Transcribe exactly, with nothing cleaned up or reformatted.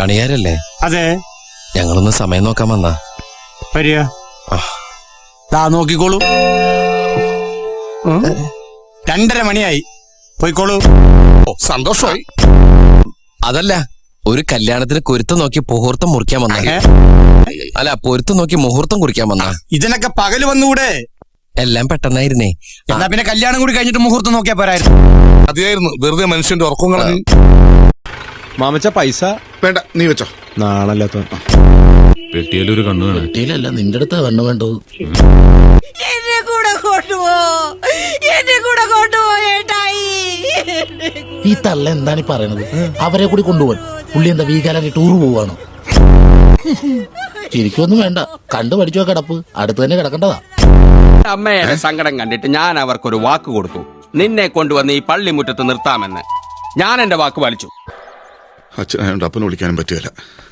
കണിയാരല്ലേ? അതെ. ഞങ്ങളൊന്ന് സമയം നോക്കാൻ വന്നാ. വരിക. ദാ നോക്കിക്കോളൂ. രണ്ടര മണിയായി. പോയിക്കോളൂ. സന്തോഷമായി. അതല്ല, ഒരു കല്യാണത്തിന് കുരുത്തം നോക്കി മുഹൂർത്തം മുറിക്കാൻ വന്ന. അല്ല, പൊരുത്തം നോക്കി മുഹൂർത്തം കുറിക്കാൻ വന്ന. ഇതിനൊക്കെ പകല് വന്നുകൂടെ? എല്ലാം പെട്ടെന്നായിരുന്നേ. എന്നാ പിന്നെ കല്യാണം കൂടി കഴിഞ്ഞിട്ട് മുഹൂർത്തം നോക്കിയാ പോരായിരുന്നു? മതിയായിരുന്നു, വെറുതെ മനുഷ്യന്റെ ഉറക്കം കളഞ്ഞു. മാമച്ച പൈസ വേണ്ട, നീ വെച്ചോ. നാണല്ലാത്ത പെട്ടിയിലൊരു കണ്ണു വേണം. പെട്ടിയിലല്ല, നിന്റെ അടുത്താ കണ്ണു വേണ്ടത്. എന്നെ കൂടെ കൊണ്ടുപോ, എന്നെ കൂടെ കൊണ്ടുപോ ഏട്ടായി. ഈ തള്ള എന്താണ് ഈ പറയണത്? അവരെ കൂടി കൊണ്ടുപോകാൻ പുള്ളി എന്താ വീകാലാക്കി ടൂർ പോവാണോ? ശരിക്കൊന്നും വേണ്ട, കണ്ടു പഠിച്ചോ കിടപ്പ്, അടുത്ത് തന്നെ കിടക്കേണ്ടതാ. അമ്മയുടെ സങ്കടം കണ്ടിട്ട് ഞാൻ അവർക്കൊരു വാക്ക് കൊടുത്തു. നിന്നെ കൊണ്ടുവന്ന് ഈ പള്ളിമുറ്റത്ത് നിർത്താമെന്ന്. ഞാൻ എന്റെ വാക്ക് പാലിച്ചു. അച്ഛനായോണ്ട് അപ്പനെ വിളിക്കാനും പറ്റില്ല.